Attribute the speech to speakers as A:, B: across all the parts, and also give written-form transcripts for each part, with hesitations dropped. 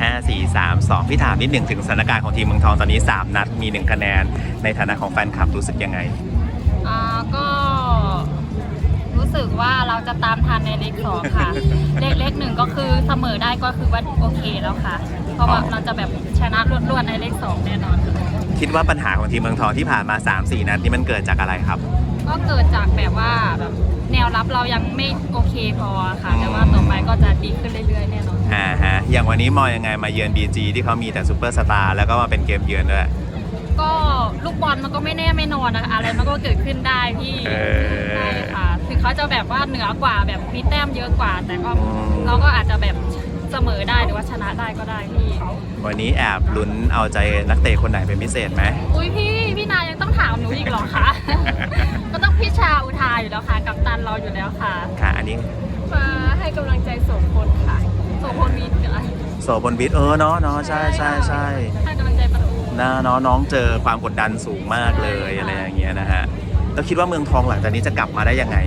A: 5 4 3 2พี่ถามนิดหนึ่งถึงสถานการณ์ของทีมเมืองทองตอนนี้3นัดมี1คะแนนในฐานะของแฟนคลับรู้สึกยังไง
B: ก็รู้สึกว่าเราจะตามทันในเลขสองค่ะ เลขหนึ่งก็คือเสมอได้ก็คือว่าโอเคแล้วค่ะ เพราะว่าเราจะแบบชนะรวดในเลขสองแน่นอน
A: คิดว่าปัญหาของทีมเมืองทองที่ผ่านมา 3-4 นัดนี่มันเกิดจากอะไรครับ
B: ก็เกิดจากแบบว่าแบบแนวรับเรายังไม่โอเคพอค่ะแต่ว่าต่อไปก็จะดีขึ้นเรื่อยๆแน่นอน
A: ฮะอย่างวันนี้มองยังไงมาเยือน BG ที่เขามีแต่ซูเปอร์สตาร์แล้วก็มาเป็นเกมเยือนด้วย
B: ก็ลูกบอลมันก็ไม่แน่ไม่นอนนะคะอะไรมันก็เกิดขึ้นได้พี่ใช่ค่ะถึงเขาจะแบบว่าเหนือกว่าแบบมีแต้มเยอะกว่าแต่ก็เราก็อาจจะแบบเสมอได้หรือว่าชนะได้ก็ได้พี่
A: วันนี้แอบลุ้นเอาใจนักเตะคนไหนเป็นพิเศษไหม
B: อุ้ยพี่นายยังต้องถามหนูอีกเหรอคะ ก็ต้องพี่ชาอุทาอยู่แล้วค่ะกัปตันเราอยู่แล้วค่ะ
A: อันนี้
B: มาให้กำลังใจโสพลค่ะโสพลวิทย์
A: โสพลวิทย์เนาะใช่
B: ให้กำลังใจประตู
A: น้องเจอความกดดันสูงมากเลยอะไรอย่างเงี้ยนะฮะแล้วคิดว่าเมืองทองหลังจากนี้จะกลับมาได้ยังไง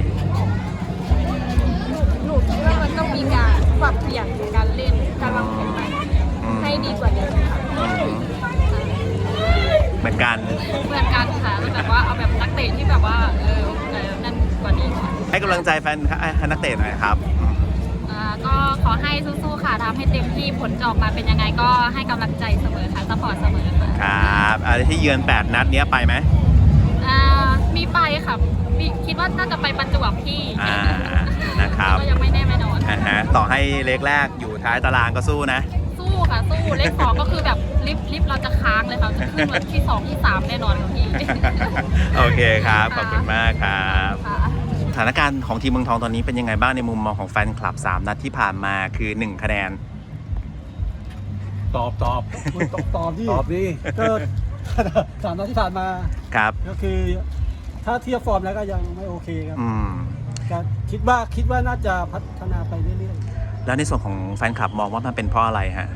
B: หนูคิดว่ามันต้องมีการปรับเปลี่ยนการเล่นการวางแผนใหม่ให้ดีกว่านี้ค่ะ
A: เหมือนกัน
B: ค่ะแบบว่าเอาแบบนักเตะที่แบบว่านั่นกว่านี้
A: ให้กำลังใจแฟนนักเตะหน่อยครับ
B: ก็ขอให้สู้ๆค่ะทำให้เต็มที่ผลจะออกมาเป็นยังไงก็ให้กำลังใจเสมอค่ะซัพพอร์ตเสมอค่ะ
A: ครับที่เยือน8นัดนี้ไปไหม
B: มีไปค่ะคิดว่าน่าจะไปประจวบพี่
A: นะครับ
B: ก็ยังไม่แน่ไม่นอน
A: ต่อให้เลขแรกอยู่ท้ายตารางก็สู้นะ
B: สู้ค่ะสู้เลข2ก็คือแบบลิฟต์เราจะค้างเลยค่ะจะขึ้นมาที่2ที่3แน่นอนค่ะพี่
A: โอเคครับขอบคุณมากครับสถานการณ์ของทีมเมืองทองตอนนี้เป็นยังไงบ้างในมุมมองของแฟนคลับ3นัดที่ผ่านมาคือ1คะแนน
C: ตอบดิก็3นัดที่ผ่านมา
A: ครับ
C: ก็คือถ้าเทียบฟอร์มแล้วก็ยังไม่โอเคครับก็คิดว่าน่าจะพัฒนาไปเรื่อย
A: ๆแล้วในส่วนของแฟนคลับมองว่ามันเป็นเพราะอะไรฮะ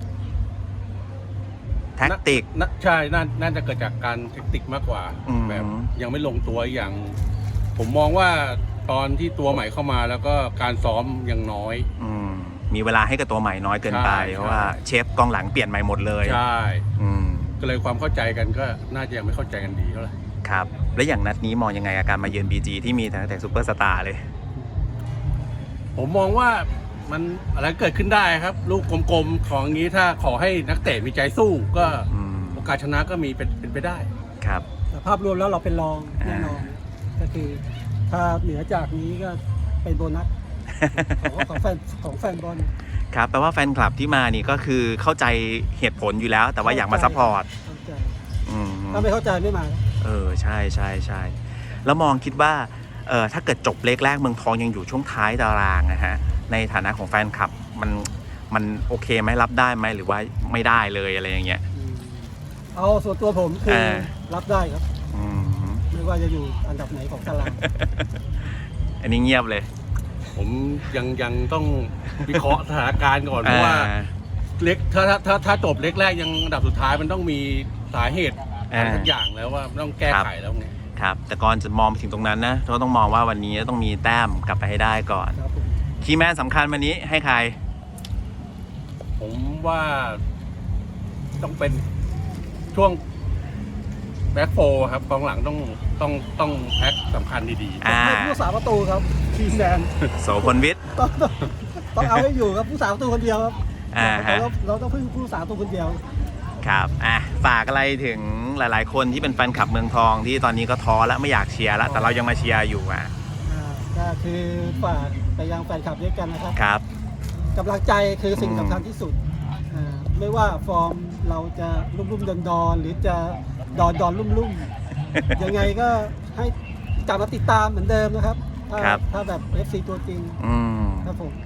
A: แท็กติก
C: ใช่น่าจะเกิดจากการแท็กติกมากกว่าแบบยังไม่ลงตัวอย่างผมมองว่าตอนที่ตัวใหม่เข้ามาแล้วก็การซ้อมยังน้อย
A: มีเวลาให้กับตัวใหม่น้อยเกินไปเพราะว่าเชฟกองหลังเปลี่ยนใหม่หมดเลย
C: ใช่ก็เลยความเข้าใจกันก็น่าจะยังไม่เข้าใจกันดีเท่าไหร่
A: ครับและอย่างนัดนี้มองยังไงอาการมาเยือน BG ที่มีแต่ซูเปอร์สตาร์เลย
C: ผมมองว่ามันอะไรเกิดขึ้นได้ครับลูกกลมๆของงี้ถ้าขอให้นักเตะมีใจสู้ก็โอกาสชนะก็มีเป็นไปได้
A: ครับ
C: แต่ภาพรวมแล้วเราเป็นรองแน่นอนก็คือถ้าเหนือจากนี้ก็เป็นโบนัสของแฟนบอล
A: ครับแปลว่าแฟนคลับที่มานี่ก็คือเข้าใจเหตุผลอยู่แล้วแต่ว่าอยากมาซัพพอร์ต
C: ถ้าไม่เข้าใจไม่มา
A: ใช่แล้วมองคิดว่าถ้าเกิดจบเลขแรกเมืองทองยังอยู่ช่วงท้ายตารางนะฮะในฐานะของแฟนคลับมันโอเคไหมรับได้ไหมหรือว่าไม่ได้เลยอะไรอย่างเงี้ย
C: เอาส่วนตัวผมคือรับได้ครับไม่ว่าจะอยู่อันดับไหนของตาราง
A: อันนี้เงียบเลย
C: ผมยังต้องวิเคราะห์สถานการณ์ก่อนเพราะว่าเล็กถ้าจบเล็กแรกยังอันดับสุดท้ายมันต้องมีสาเหตุทุกอย่างแล้วว่าต้องแก้ไขแล้วไง
A: ครับแต่ก่อนจะมองไปถึงตรงนั้นนะเราต้องมองว่าวันนี้ต้องมีแต้มกลับไปให้ได้ก่อนคีย์แมนสำคัญวันนี้ให้ใคร
C: ผมว่าต้องเป็นช่วงแบ็คโฟครับกองหลังต้องแพ็คสำคัญดีๆผู้สาประตูครับคีย์แมน
A: โสพลวิทย์
C: ต้องเอาให้อยู่ครับผู้สาประตูคนเดียวครับเราต้องพึ่งผู้สาประตูคนเดียว
A: ครับฝากอะไรถึงหลายๆคนที่เป็นแฟนคลับเมืองทองที่ตอนนี้ก็ท้อแล้วไม่อยากเชียร์แล้วแต่เรายังมาเชียร์อยู่
C: ก็คือฝากไปยังแฟนคลับด้วยกันนะครับ
A: ครับ
C: กำลังใจคือสิ่งสำคัญที่สุดไม่ว่าฟอร์มเราจะลุ่มๆดอนหรือจะดอนลุ่มๆยังไงก็ให้กลับมาติดตามเหมือนเดิมนะครับถ้าแบบ FC ตัวจริงครับผม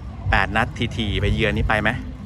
A: 8นัดทีไปเยือนนี่ไปไหม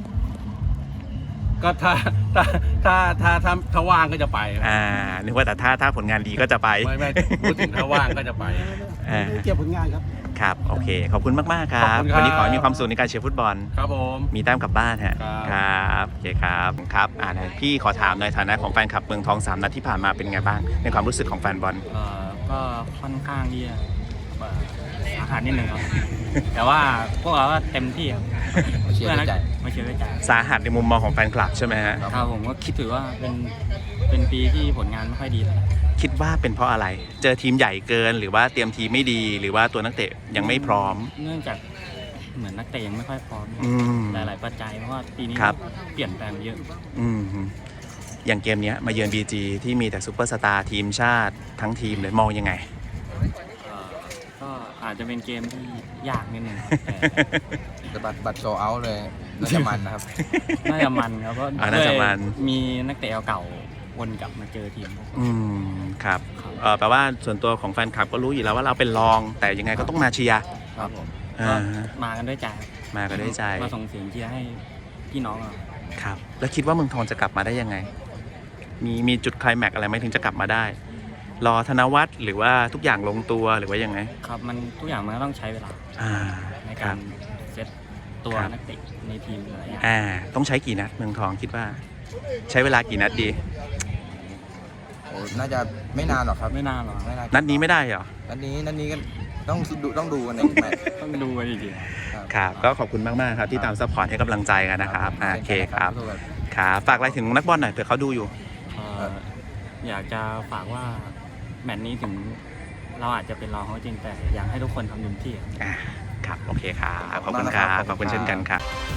C: ก็ถ้าว่างก็จะไป
A: นึกว่าแต่ถ้าผลงานดีก็จะไป
C: ไม่พูดถึงถ้าว่างก็จะไปไม่เกี่ยวผลงานครับ
A: ครับโอเคขอบคุณมากๆครับวันนี้ขอให้มีความสุขในการเชียร์ฟุตบอล
C: ครับผม
A: มีแต้มกลับบ้านฮะครับโอเคครับพี่ขอถามในฐานะของแฟนคลับเมืองทอง3นัดที่ผ่านมาเป็นไงบ้างในความรู้สึกของแฟนบอล
D: ก็ค่อนข้างที่จะสาหัสนิดนึงครับ แต่ว่าพวกเราก็เต็มที่ครับ
E: มาเชียร์ด้วยใจ
D: มาเชียร์ด้วยใจ
A: สาหัสในมุมมองของแฟนคลับใช่ไหมฮะ
D: ครับผมก็คิดถือว่าเป็นปีที่ผลงานไม่ค่อยดีเลย
A: คิดว่าเป็นเพราะอะไร เจอทีมใหญ่เกินหรือว่าเตรียมทีมไม่ดี หรือว่าตัวนักเตะยังไม่พร้อม
D: เนื่องจากเหมือนนักเตะยังไม่ค่อยพร้อม
A: อืม
D: หลายๆปัจจัยเพราะว่าปีนี้
A: ครับ
D: เปลี่ยนแปลงเยอะ
A: อืมอย่างเกมเนี้ยมาเยือน BG ที่มีแต่ซูเปอร์สตาร์ทีมชาติทั้งทีมเลยมองยังไง
D: ก็อาจจะเป็นเกมที่ยากนิดนึงครับแต่
E: แต่บัตรโซเอาเลยน่าจะมันนะครับ
D: น่าจะมันครับเพราะ
A: น่าจะมัน
D: มีนักเตะเก่าวนกลับมาเจอทีม
A: อืมครับแปลว่าส่วนตัวของแฟนคลับก็รู้อยู่แล้วว่าเราเป็นรอง แต่ยังไงก็ต้องมาเชียร์
D: ครับผม
A: อ่า
D: ก็มากันด้วยใจ
A: มาก็ได้ใจ
D: มาส่งเสียงเชียร์ให้พี่น้องเรา
A: ครับ แล้วคิดว่าเมืองทองจะกลับมาได้ยังไง มีจุดไคลแม็กซ์อะไรไหมถึงจะกลับมาได้ รอธนวัฒน์หรือว่าทุกอย่างลงตัวหรือว่ายังไง
D: ครับมันทุกอย่างมันก็ต้องใช้เวลา
A: อ่า
D: ใน
A: ค
D: กา
A: รั
D: ร
A: บ
D: เซตตัว
A: ครับ
D: นักเตะในทีมหลายอย่าง
A: ต้องใช้กี่นัดเมืองทองคิดว่า ใช้เวลากี่นัดดี
E: โอ้น่าจะไม่นานหรอกครับ
D: ไม่นานหรอก
E: ไม่นาน
A: นัดนี้ไม่ได้เหรอ
E: นัดนี้ก็ต้องดูกันในแมตช์
D: ต้องดูกันอีกที
A: ครับ ก็ขอบคุณมากๆครับที่ตามซัพพอร์ตให้กำลังใจกันนะครับโอเคครับ
E: สู้กัน
A: ครับฝากอะไรถึงนักบอลหน่อยเผื่อเขาดูอยู่
D: อยากจะฝากว่าแมตช์นี้ถึงเราอาจจะเป็นรองเขาจริงแต่อยากให้ทุกคนทำเต็มที่
A: ครับ โอเคครับ ขอบคุณครับ ขอบคุณเช่นกันครับ